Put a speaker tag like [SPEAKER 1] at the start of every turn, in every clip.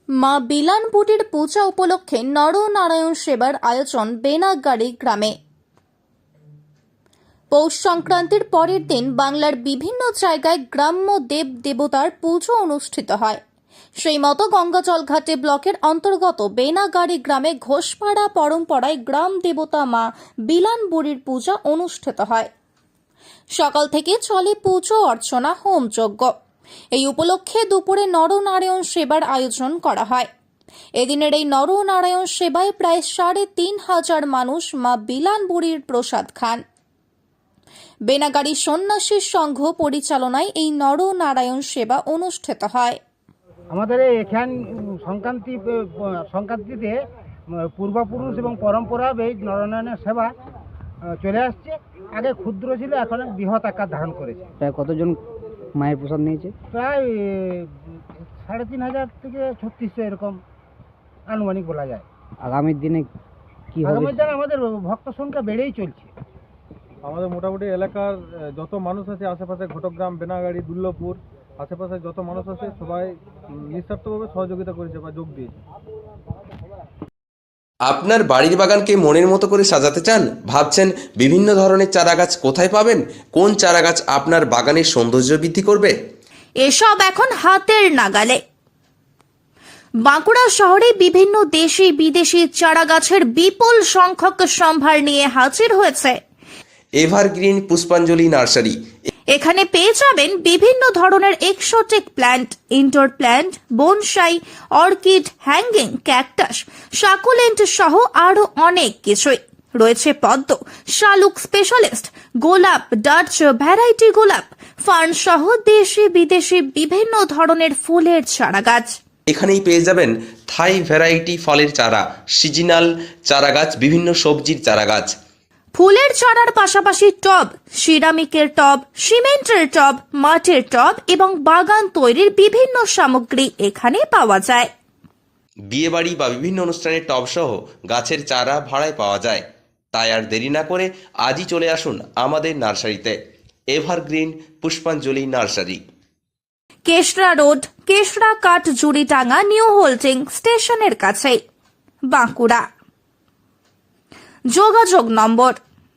[SPEAKER 1] মা বিলানপুটির পূজা উপলক্ষে নরনারায়ণ সেবার আয়োজন বেনাগাড়ি গ্রামে। পৌষ সংক্রান্তির পরের দিন বাংলার বিভিন্ন জায়গায় গ্রাম্য দেব দেবতার পুজো অনুষ্ঠিত হয়। সেই মতো গঙ্গাজলঘাটে ব্লকের অন্তর্গত বেনাগাড়ি গ্রামে ঘোষপাড়া পরম্পরায় গ্রাম দেবতা মা বিলানবুড়ির পূজা অনুষ্ঠিত হয়। সকাল থেকে চলে পুজো অর্চনা হোমযজ্ঞ। এই উপলক্ষে দুপুরে নরনারায়ণ সেবার আয়োজন করা হয়। এদিনের এই নরনারায়ণ সেবায় প্রায় ৩৫০০ মানুষ মা বিলানবুড়ির প্রসাদ খান। বেনাগাড়ি সন্ন্যাসী সংঘ পরিচালনায় এই নরনারায়ণ সেবা অনুষ্ঠিত হয়।
[SPEAKER 2] আমাদের এখান সংক্রান্তিতে পূর্বপুরুষ এবং পরম্পরা এই নরনারায়ণের সেবা চলে আসছে। আগে ক্ষুদ্র ছিল, এখন বৃহৎ আকার ধারণ করেছে।
[SPEAKER 3] প্রায় কতজন মায়ের প্রসাদ নিয়েছে?
[SPEAKER 2] প্রায় ৩৫০০ থেকে ৩৬০০ এরকম আনুমানিক বলা যায়।
[SPEAKER 3] আগামী দিনে কি হবে?
[SPEAKER 2] আগামী দিনে আমাদের ভক্ত সংখ্যা বেড়েই চলছে।
[SPEAKER 4] আমাদের মোটামুটি এলাকার যত মানুষ আছে, আশেপাশে ঘটকগ্রাম, বেনাগাড়ি, দুর্লভপুর, আশেপাশে যত মানুষ আছে সবাই নিঃস্বার্থভাবে সহযোগিতা করেছে বা যোগ দিয়েছে।
[SPEAKER 5] আপনার বাড়ির বাগানকে মনের মতো করে সাজাতে চান? ভাবছেন বিভিন্ন ধরনের চারাগাছ কোথায় পাবেন? কোন চারাগাছ আপনার বাগানের সৌন্দর্য বৃদ্ধি করবে?
[SPEAKER 1] এসব এখন হাতের নাগালে। বাঁকুড়া শহরে বিভিন্ন দেশি বিদেশি চারাগাছের বিপুল সংখ্যক সম্ভার নিয়ে হাজির হয়েছে
[SPEAKER 5] এভারগ্রিন পুষ্পাঞ্জলি নার্সারি।
[SPEAKER 1] এখানে পেয়ে যাবেন বিভিন্ন ধরনের exotic plant, indoor plant, bonsai, orchid, hanging, cactus, succulent সহ আরো অনেক কিছুই। রয়েছে পদ্ম, শালুক স্পেশালিস্ট, গোলাপ, ডাচ ভ্যারাইটি গোলাপ, ফার্ন সহ দেশি বিদেশি বিভিন্ন ধরনের ফুলের চারাগাছ।
[SPEAKER 5] এখানেই পেয়ে যাবেন থাই ভ্যারাইটি ফলের চারা, সিজনাল চারাগাছ, বিভিন্ন সবজির চারাগাছ।
[SPEAKER 1] ফুলের চারার পাশাপাশি টব, সিরামিকের টব, সিমেন্টের টব, মাটির টব এবং বাগান তৈরির বিভিন্ন সামগ্রী এখানে পাওয়া যায়।
[SPEAKER 5] বিয়েবাড়ি বা বিভিন্ন অনুষ্ঠানের টব সহ গাছের চারা ভাড়ায় পাওয়া যায়। তাই আর দেরি না করে আজই চলে আসুন আমাদের নার্সারিতে। এভারগ্রিন পুষ্পাঞ্জলি নার্সারি,
[SPEAKER 1] কেশরা রোড, কেশরা কাঠ জুড়িটাঙ্গা নিউ হোল্ডিং স্টেশনের কাছে, বাঁকুড়া। যোগাযোগ নম্বর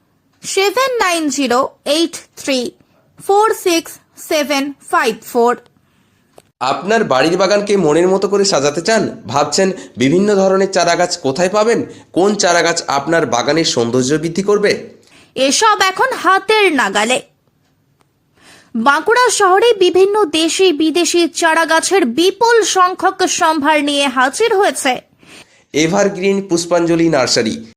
[SPEAKER 1] 7908346754।
[SPEAKER 5] আপনার বাড়ির বাগানকে মনের মতো করে সাজাতে চান? ভাবছেন বিভিন্ন ধরনের চারাগাছ কোথায় পাবেন? কোন চারাগাছ আপনার বাগানের সৌন্দর্য বৃদ্ধি করবে?
[SPEAKER 1] এসব এখন হাতের নাগালে। বাঁকুড়া শহরে বিভিন্ন দেশি বিদেশি চারাগাছের বিপুল সংখ্যক সম্ভার নিয়ে হাজির হয়েছে
[SPEAKER 5] এভারগ্রিন পুষ্পাঞ্জলি নার্সারি।